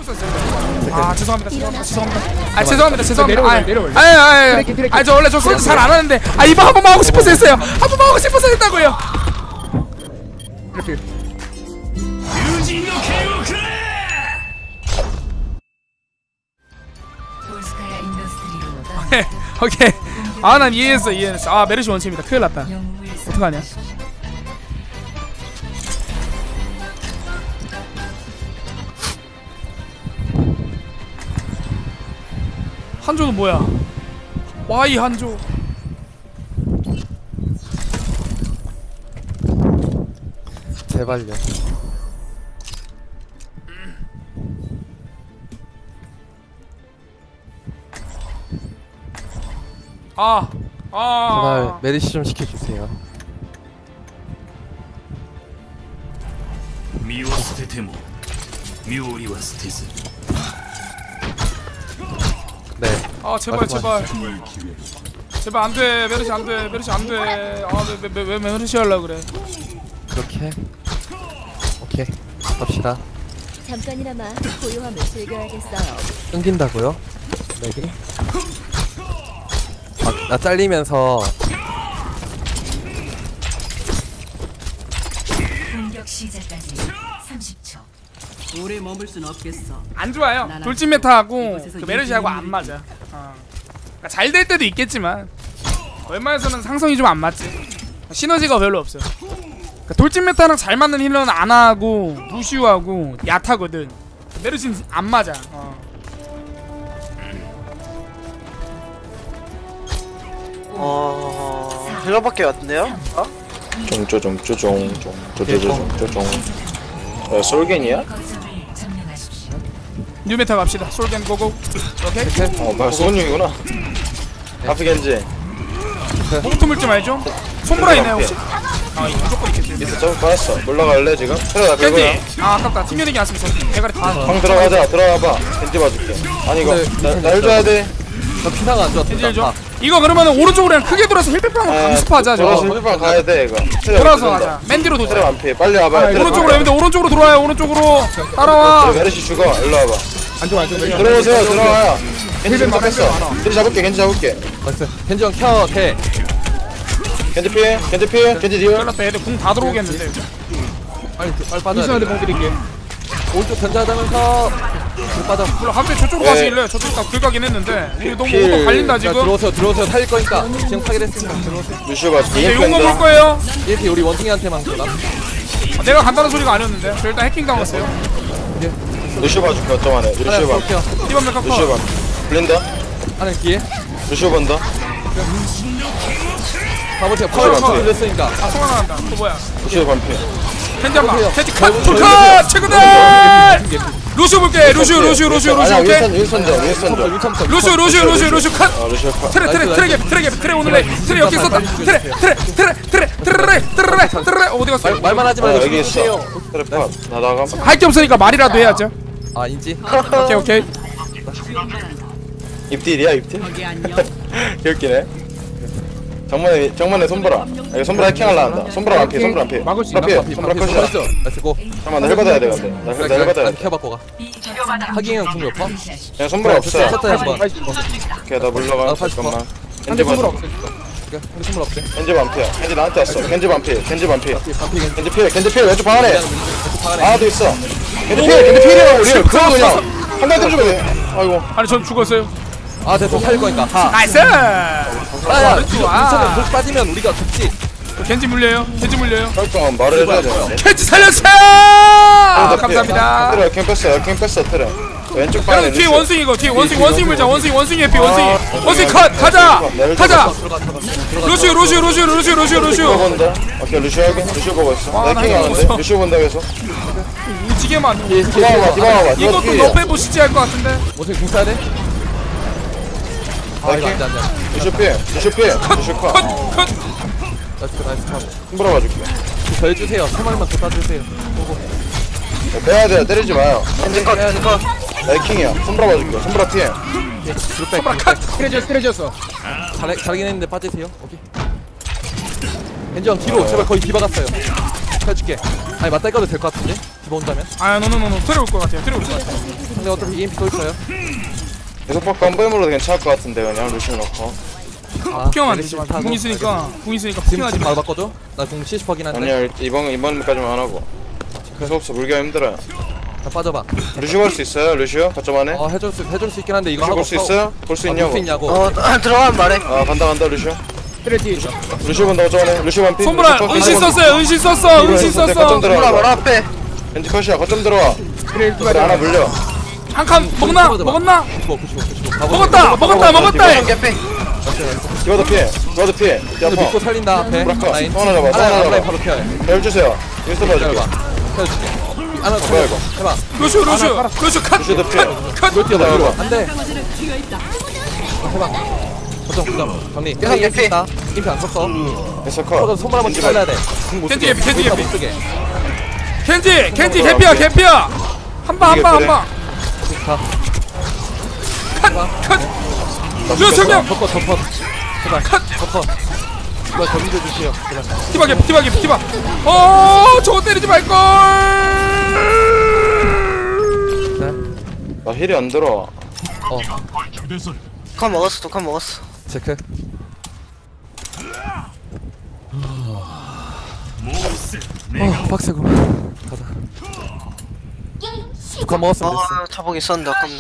아 죄송합니다. 아 죄송합니다. 아 저 원래 저 솔드 잘 안 하는데 아 이거 한 번만 하고 싶어서 했어요. 한 번만 하고 싶어서 했다고요. 이렇게. 오케이. 아 난 이해했어. 아 메르시 원체입니다. 큰일 났다. 어떡하냐. 한조는 뭐야? Y 한조. 제발요. 제발 메리시 좀 시켜주세요. 네. 아 제발 제발 안돼. 메르시 안돼. 왜 메르시 하려 그래? 그렇게. 오케이. 갑시다. 잠깐이나마 고요함을 즐겨야겠어요. 끊긴다고요? 네. 나 잘리면서 공격 시작까지 30초. 오래 머물 순 없겠어. 안 좋아요. 돌진 메타하고 그 메르시하고 안 맞아. 그러니까 잘 될 때도 있겠지만 웬만해서는 상성이 좀 안 맞지. 시너지가 별로 없어요. 그러니까 돌진 메타랑 잘 맞는 힐러는 안하고 루시우하고 야타거든. 메르시는 안 맞아. 힐러밖에 왔네요? 쪼종 솔겐이야? 뉴메타 갑시다. 솔겐 고고. 오케이. 뭐야 소은용이구나. 하프겐지 호흡 물좀 알죠? 손보라 있나요 혹시? 아 이거 무조건 있겠지. 미스 점프 받았어. 물러갈래 지금? 들어가 들고요. 아 아깝다. 튕겨내기 안 쓰면서 대가리 다. 형 들어가자. 들어가봐. 겐지 봐줄게. 아니 이거 날 줘야 돼. 나 피나가 안 좋았다. 겐지 줘. 이거 그러면은 오른쪽으로 그냥 크게 돌아서 힐백방 강습하자. 돌아서 힐백 가야 돼 이거. 돌아서 가자. 맨디로 도자. 트랩 안 피해. 빨리 와봐. 오른쪽으로 근데 오른쪽으로 돌아요. 오른쪽으로 따라와. 메르시 죽어. 일로 와봐. 안 좋아. 들어오세요. 들어와요. 겐지 좀 잡혔어. 겐지 잡을게. 나이스. 겐지 형 켜. 대. 겐지 피해. 겐지 디어. 잘랐다. 애들 궁 다 들어오겠는데. 빨리 빠져. 공 드릴게. 오른쪽 견제하면서 빠져. 몰라 갑자기 저쪽으로 가시길래 저쪽 긁가긴 했는데 우리 너무 오버 갈린다 지금. 들어오세요. 살릴 거니까. 지금 파괴됐으니까 들어오세요. 루시오가 이제 용거 볼 거예요. 이렇게 우리 원숭이한테만 그러나? 내가 간다는 소리가 아니었는데. 저 일단 해킹 당했어요. 루시오 봐줄게. 어쩜 안해. 루시오 봐. 이번 메카 커. 루시오 봐. 블린다. 하는 기회. 루시오 본다. 가보세요. 파워를 돌렸으니까. 아 소강 나간다. 또 뭐야? 루시오 반피. 캔디 한방. 캔디 컷. 풀컷. 최고다. 루시오 볼게. 루시오 볼게. 루시오 컷. 루시오 컷. 트레 오늘래. 트레 여기 있었다. 트레 어디 갔어? 말만 하지 말고 여기 있어. 트레 나 나가. 할 게 없으니까 말이라도 해야죠. 아 인지? 오케이. 입딜이야 입딜? 거기 안녕. 귀엽기네. 정면에 손보라. 이거 손보라 해킹하려 한다. 손보라 안 피해. 막을 수 있나? 손보라 컷이야. 나이스 고. 잠깐만 나 헬받아야 돼 근데. 나 헬받아야 돼. 켜바꿔 가. 하기형 궁이 없어? 그냥 손보라 없어. 쳤다 한번. 오케이 나 물러가. 잠깐만. 겐지 손보라 봐. 없어. 우리 선물 없대. 겐지 반피야. 겐지 나한테 왔어. 겐지 반피. 반피 겐지 피해. 왼쪽 방 안에. 왼쪽 방 안에. 아도 있어. 겐지 피해라고 우리. 그거 그냥 한 달 때주면 돼. 아이고. 아니 전 죽었어요. 아 됐어 살릴 거니까. 나이스. 아야 괜찮아. 돌 빠지면 우리가 죽지. 겐지 물려요. 잠깐 말을 해줘야 돼. 겐지 살렸어요. 감사합니다. 트레 캠 뺐어 트레. 왼쪽 방에. 여러분 뒤에 원숭이 이거 뒤에 원숭이 물자. 원숭이 해피 원숭이 컷. 가자. 루시오. 본다. 오케이 루시오 하게. 루시오 보고 있어. 와, 나 해킹하는데. 루시오 본다 계속. 무지개만. 디바봐. 이것도 너빼 보시지 할 것 같은데. 원숭이 궁 써야 돼? 아 이거 안돼. 루시오 루시오 컷. 나이스 컷. 손보라 봐줄게. 더 해주세요. 3마리만 더 따주세요. 빼야 돼. 때리지 마요. 겐지 컷. 해킹이야. 손보라 봐줄게. 손보라 피해. 손보라 컷. 트레졌어. 잘하긴 했는데 빠지세요. 오케이. 겐지 형 뒤로 제발 거의 뒤 박았어요. 펴줄게. 아니 맞다 이거도 될 것 같은데? 디바 온다면? 아 노노노노 트레 올것 같아요. 트레 올것 같아. 근데 어차피 EMP 또 있어요. 계속 바꿔 한 번에 물어도 괜찮을 것 같은데 그냥 루시오 넣고. 폭경만 되지 마. 궁 있으니까 지금 폭경하지 마. 바로 바꿔줘? 나 공 70%긴 한데. 아니야 이번까지만 안 하고. 계속 없어 물기가 힘들어요. 자 빠져봐. 루시오 갈 수 있어요 루시오? 거점 안에? 해줄 수 있긴 한데 이거 루시오 하고 볼 수 있어요? 볼 수 있냐고? 있냐고. 들어가면 말해. 아 간다 루시오. 트레 뒤에 있어. 루시오 본다 거점 안에 루시오 반피. 손보라 은신 썼어요. 은신 썼어. 은신 썼어. 거점 뭐라 들어와. 뭐라 앞에. 왠지 컷이야 거점 들어와. 그래 하나 물려. 한 칸 먹나? 먹었나? 95. 먹었다. 이번 개피. 디바도 피해. 디바도 피해. 이거 믿고 살린다 앞에. 브라커. 라인. 또 하나 잡아. 또 하나 라인 잡아. 바로 피해. 열 주세요. 윈스턴 봐줄게. 기다려봐. 펴줄게. 하나 뭐야 이거? 해봐. 루슈 컷. 루시오도 피해. 컷. 이걸 뛰어봐 이거. 이거. 안돼. 해봐. 고정. 정리. 계속 개피. 있다. 임피 안 썼어. 에서 컷. 손발 한번 잘라야 돼. 켄지 개피. 켄지 못 개피. 쓰게. 켄지 개피야. 한 방. 가. 컷. 루슈 정면. 덮어. 제발. 덮어. 이거 더 믿어주세요. 제발. 디바. 저거 때리지 말걸. 나 힐이 안 들어. 독한 먹었어. 체크. 빡세고. 가자. 북한 먹었으면 됐어. 자복 있었는데 아깝네.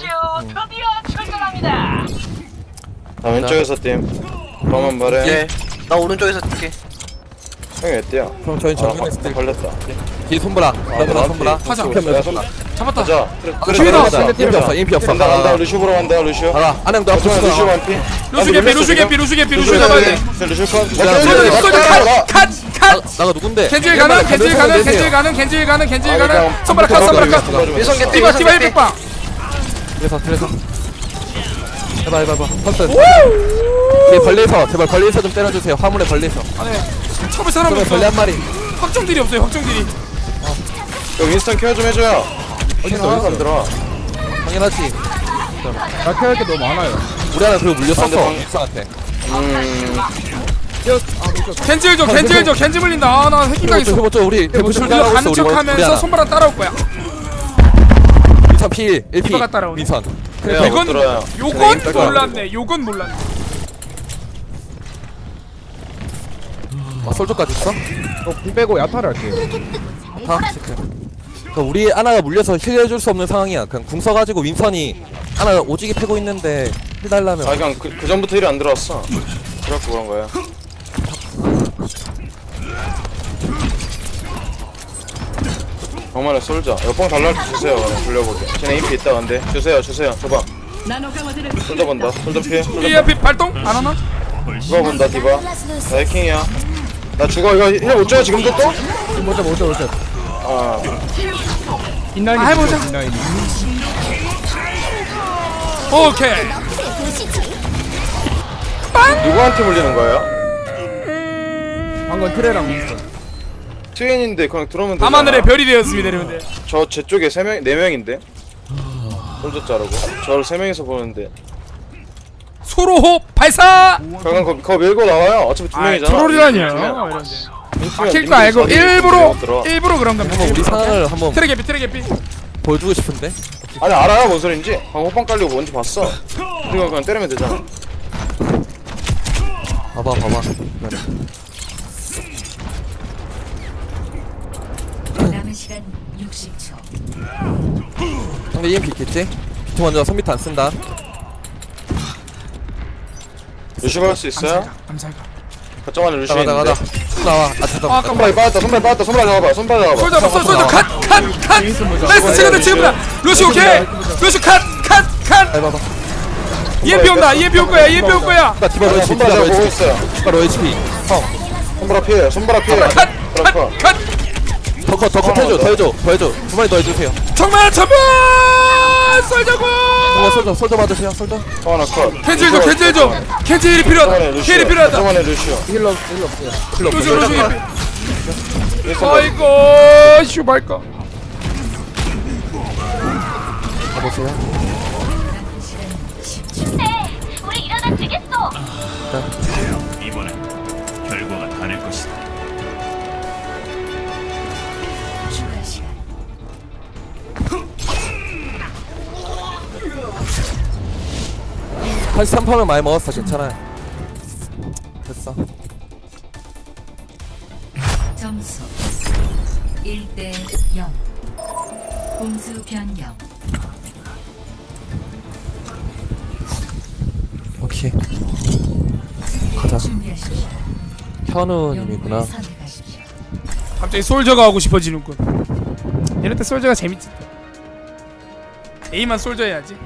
나 왼쪽에서 팀. 그러면 말해. 예. 나 오른쪽에서 뛸게. 형이 왜 뛰어? 그럼 저희 정면에서 뛸 걸렸다. 뒤에 손보라. 손보라. 하자. 잡았다. 가자. EMP 없어. EMP 없어. 간다. 루시오 보러 간다. 루시오. 가라. 안녕 너 앞으로 거점에 루시오 가. 반피. 루슈 개피. 루슈 잡아야 돼. 루시오 컷. 컷. 나가 누군데? 켄질 가는. 손바닥 컷. 위성 개피. 디바 위성 개피. 100방. 그래서. 해봐. 펄스. 뒤에 벌레에서 제발 벌레에서 좀 때려주세요. 화물에 벌레에서. 쳐볼 사람 그러면 벌레 없어. 한 마리. 확정딜이 없어요. 형 윈스턴 케어 좀 해줘요. 어디서 안 들어? 당연하지. 나 케어할 게 너무 많아요. 우리 하나 그리고 물렸었어. 상대방. 육상한테. 켄질 물린다. 나 새끼가 있어. 해보죠. 우리 대부출 우리가 당하고 있어. 가는 우리 척하면서 하나. 손바닥 따라올 거야. 민선 P 1P. 디바가 따라오네. 민선. 그래야 못 들어요. 요건 몰랐네. 솔저까지 있어? 궁 빼고 야타를 할게요. 다 체크. 그러니까 우리 하나가 물려서 힐 해줄 수 없는 상황이야. 그냥 궁 써가지고 윈선이 하나 오지게 패고 있는데 힐 달라면. 아 그냥 그 전부터 힐이 안 들어왔어. 그래갖고 그런 거야. 정말에 솔져. 옆방 달라 주세요. 돌려보게. 쟤네 인피 있다 근데. 주세요. 줘봐. 솔져 본다. 솔져 피해. EMP 발동 안 하나? 디바 본다. 디바. 나 해킹이야. 나 죽어. 이거 힐 못 줘요 지금도 또? 먼저. 아 인라인이 해보자. 인라인이. 오케이. 누구한테 물리는 거예요? 방금 트레랑 윈스턴. 트윈인데 그냥 들어오면 되잖아. 밤하늘의 별이 되었습니다, 여러분들. 저 쪽에 4명인데. 솔져 자르고. 저를 3명이서 보는데. 소로호흡 발사. 그냥 그거 밀고 나와요. 어차피 2명이잖아. 트롤이라뇨. 막힐 거 알고 일부러 그런 겁니다. 한번 우리 상황을 한번 트레 개피. 보여주고 싶은데. 아니 알아요 뭔 소린지. 방금 호빵 깔리고 뭔지 봤어. 그리고 그냥 때리면 되잖아. 봐봐. 남은 시간 60초. 상대 EMP 있겠지? 비트 먼저 선비트 안 쓴다. 루시오 할 수 있어요? 감사합니다. 거점 안에 루시오 가자. 있는데. 나와. 아까 손발 빠졌다. 손발 잡아봐. 솔져 컷. 나이스 지금 친구야. 루시 오케이. 루시 컷. 잘 봐봐. EMP 온다. EMP 올 거야. 나 디바 로 HP. 손발 제가 보고 있어요. 디바 로 HP. 형. 손바라 피해. 그렇고. 더 해줘. 두 마리 더 해주세요. 정말 쏠자고. 솔저 받으세요. 솔저. 하나 컷. 캔질 좀. 캔질이 필요하다. 힐이 필요하다. 거점 안에 루시오. 힐러 없어요. 루시. 아이고 슈발까. 가보세요. 우리 일어나 주겠어. 이번엔 결과가 다를 것이다. 83%면 많이 먹었어. 괜찮아. 됐어. 점수 1대 0. 공수 변경. 오케이. 가자. 준비하십시오. 현우님이구나. 영웅을 선택하십시오. 갑자기 솔저가 하고 싶어지는군. 이럴 때 솔저가 재밌지. A만 솔저 해야지.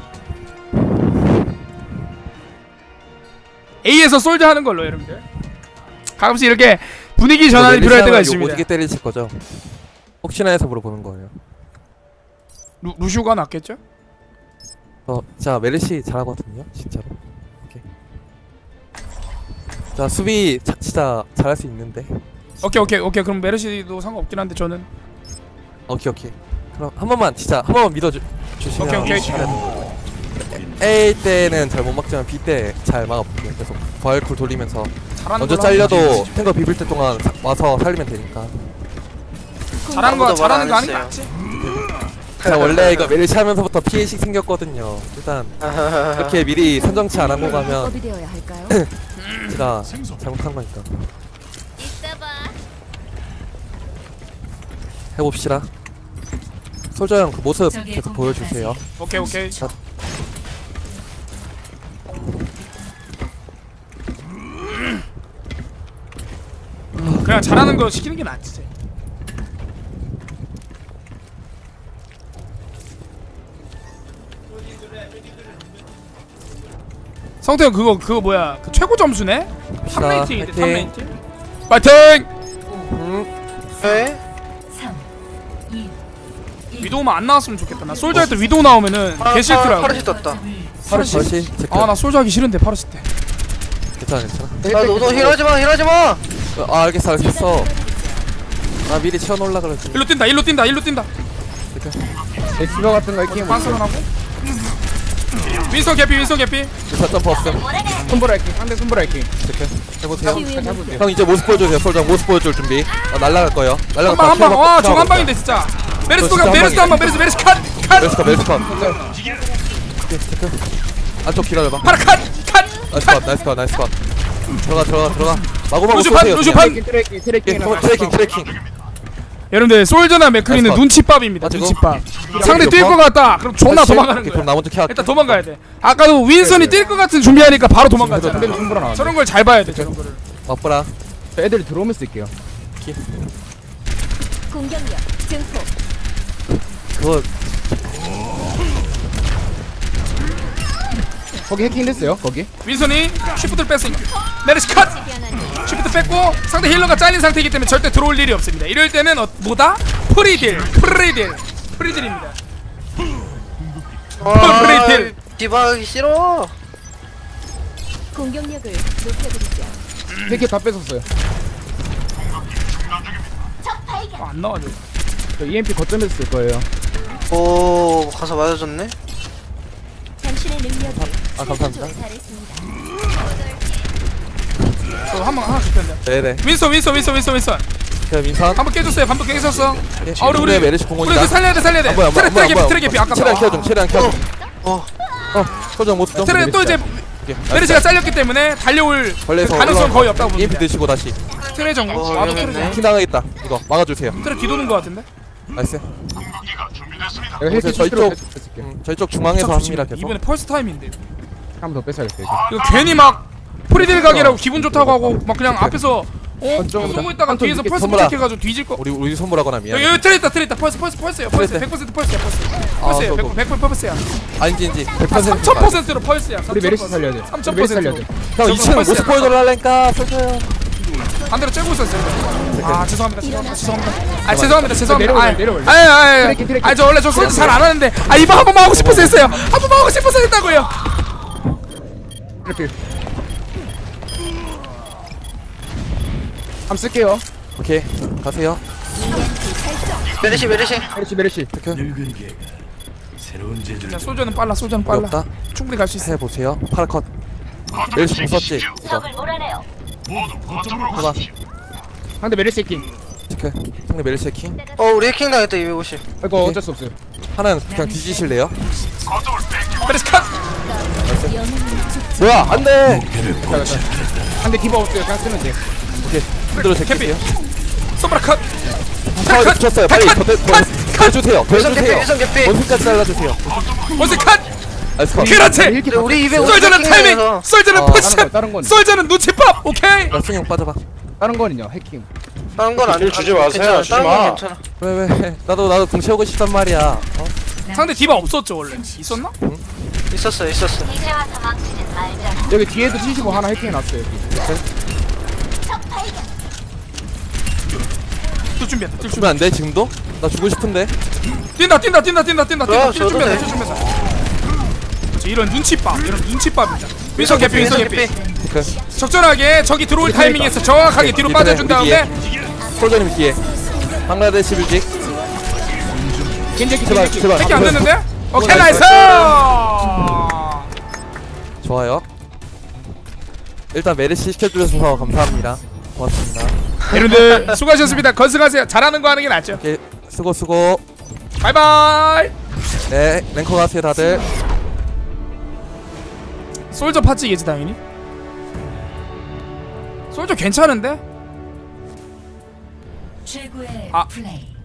A에서 솔저 하는 걸로 여러분들. 가끔씩 이렇게 분위기 전환이 필요할 때가 있습니다. 어떻게 때리실 거죠? 혹시나 해서 물어보는 거예요. 루슈가 낫겠죠? 자 메르시 잘하거든요, 진짜로. 오케이. 자 수비 진짜 잘할 수 있는데. 오케이. 그럼 메르시도 상관없긴 한데 저는. 오케이. 그럼 한 번만 진짜 한 번만 믿어주시면. 오케이. A 때는 잘 못 막지만 B 때 잘 막아볼게요. 계속 부활쿨 돌리면서 잘하는 먼저 걸로 잘려도 탱거 비빌 때 동안 와서 살리면 되니까. 잘하는 거 아무도 말 잘하는 거 안 하는 게 했어요. 낫지. 자 원래 이거 메르시 하면서부터 피해식 생겼거든요. 일단 이렇게 미리 선정치 안 하고 가면 되어야 할까요? 제가 잘못한 거니까. 이따 봐. 해봅시다. 솔저 형 그 모습 적의 계속 공격까지. 보여주세요. 오케이. 자. 그냥 잘하는 거 시키는 게 낫지. 성태형 그거 뭐야? 그 최고 점수네? 자, 3레이팅인데 화이팅. 3레이팅. 파이팅! 네? 3 2 위도우만 안 나왔으면 좋겠다. 나 솔저 할 때 위도우 나오면은 개 싫더라고. 파르시 떴다. 파르시 나 솔저 하기 싫은데 파르시 때. 괜찮아. 야 너도 힐하지마. 아 알겠어. 나 미리 채워놓으려 그러지. 일로 뛴다. 엑스버 같은 거 이렇게 반성을 하고. 윈서 개피. 4점 없음. 손보라 이렇게 상대 손보라 이렇게 해보세요. 잡으세요. 형 이제 모습 보여주세요. 솔저 모습 보여줄 준비. 날라갈 거예요. 날라갈 한 방. 와, 저거 한 방인데 진짜. 메르스 한 방. 메르스 컷. 멜스컷. 체크. 안쪽 기다려봐. 파라 컷. 나이스 컷. 들어가. 마구마구 루슈판, 쏘세요. 루슈판. 트래킹. 여러분들 솔저나 맥크리는 나이스 컷. 눈치밥입니다. 맞지고? 눈치밥. 상대 뛸 것 같다. 그럼 존나 도망가는 오케이, 거야. 그럼 나 먼저 켜. 일단 도망가야 돼. 아까도 윈선이 뛸 것 같은 준비하니까 바로 도망갔잖아. 상대도 손보라 나왔네. 저런 걸 잘 봐야 돼. 저런 거를. 맛보라. 애들이 들어오면 쓸게요. 공격력 증폭. 그거 거기 해킹 됐어요. 거기. 윈선이 쉬프트를 뺐으니까 메르시 컷! 쉬프트 뺐고 상대 힐러가 잘린 상태이기 때문에 절대 들어올 일이 없습니다. 이럴 때는 뭐다? 프리딜입니다. 프리딜. 디바하기 싫어. 공격력을 높여드리죠. 해킹 다 뺏었어요. 안 나와줘. 저 EMP 거점에서 쓸 거예요. 오 가서 맞아줬네. 당신의 능력이 감사합니다. 잘했습니다. 저 하나 줄 텐데. 네네. 윈선. 그럼 민선. 한번 깨줬어요. 우리 메르시 공원이다. 그 살려야 돼. 안 보여. 트랙 개피 아까. 최대한 켜 좀. 어. 솔저 모습 좀. 트랙 또 이제 메르시가 잘렸기 때문에 달려올 벌레에서 가능성 거의 없다고 EMP 봅니다. 드시고 다시. 트랙 정도. 와도 트랙 정도. 킹 당하겠다. 이거 막아주세요. 트랙 뒤도는 거 같은데? 나이스. 내가 해킹 저희 실수로 쪽. 뺏을게요. 저희 쪽 중앙에서 합니다 계속. 이번에 펄스 타임인데. 한 번 더 뺏어야겠어요. 이거 괜히 막 프리딜 각이라고 기분 좋다고 하고 막 그냥 앞에서 좀 쏘고 있다가 한쪽 뒤에서 이렇게 펄스 선물아. 부착해가지고 뒤질 거. 우리 손보라거나 미안. 여기 트레 있다. 펄스예요. 펄스. 트레. 100% 펄스야. 아, 100% 펄스야. 아닌지 100%. 3000%로 펄스야. 우리 메르시 살려야 돼. 3000%. 메르시 살려야 돼. 형 2층 모습 보여달라니까 솔저요. 반대로 째고 있었어요. 아 죄송합니다. 내려올래. 아 저 원래 저 솔드 잘 안 하는데 이번 한 번만 하고 싶어서 했어요. 한 번만 하고 싶어서 했다고요. 이렇게. 한번 쓸게요. 오케이 가세요. 메르시. 메르시. 자, 솔저는 빨라. 어렵다. 충분히 갈 수 있어. 해보세요. 파라컷. 메르시 공 썼지. 이거 적을 몰아내요. 해봐. 상대 메르시 해킹. 체크. 상대 메르시 킹. 우리 해킹 당했다 250. 이거 어쩔 수 없어요. 하나는 그냥 뒤지실래요? 메르시 컷. 뭐야 안돼. 한대 디바 없어요. 그냥 쓰면 돼. 오케이 흔들어 제끼세요. 솜브라 컷. 아 붙였어요. 빨리 더해주세요. 일성 개피 일성 개피 원숭이까지 잘라주세요. 원스 컷. 나이스 컷. 그렇지. 근데 우리 입에 솔저는 타이밍. 솔저는 포지션. 다른 건 솔저는 눈치밥. 오케이. 나 승용 빠져봐. 다른 거는요. 해킹. 다른 건 안 일 주지 마세요. 괜찮아. 주지 다른 마. 건 괜찮아. 왜 나도 공 채우고 싶단 말이야. 어? 상대 디바 없었죠 원래. 있었나? 있었어. 여기 뒤에도 75 하나 해킹해 놨어요. 또 준비한다. 뛸 준비. 주면 안 돼 지금도? 나 주고 싶은데. 뛴다. 뭐야, 뛸 저도 준비한다. 돼. 뛸 준비한다. 이런 눈치밥입니다. 윈서 개피. 그 적절하게 적이 들어올 타이밍에서 정확하게 뒤로 빠져준 다음에 솔저님 뒤에. 방글라데시 뮤직. 제발. 택이 안 됐는데? 오케이 나이스! 좋아요. 일단 메르시 시켜주셔서 감사합니다. 고맙습니다. 여러분들 수고하셨습니다. 건승하세요. 잘하는 거 하는 게 낫죠. 오케이 수고. 바이바이. 네 랭커 가세요 다들. 솔저 파츠겠지 당연히. 솔저 괜찮은데? 최고의 아. 플레이.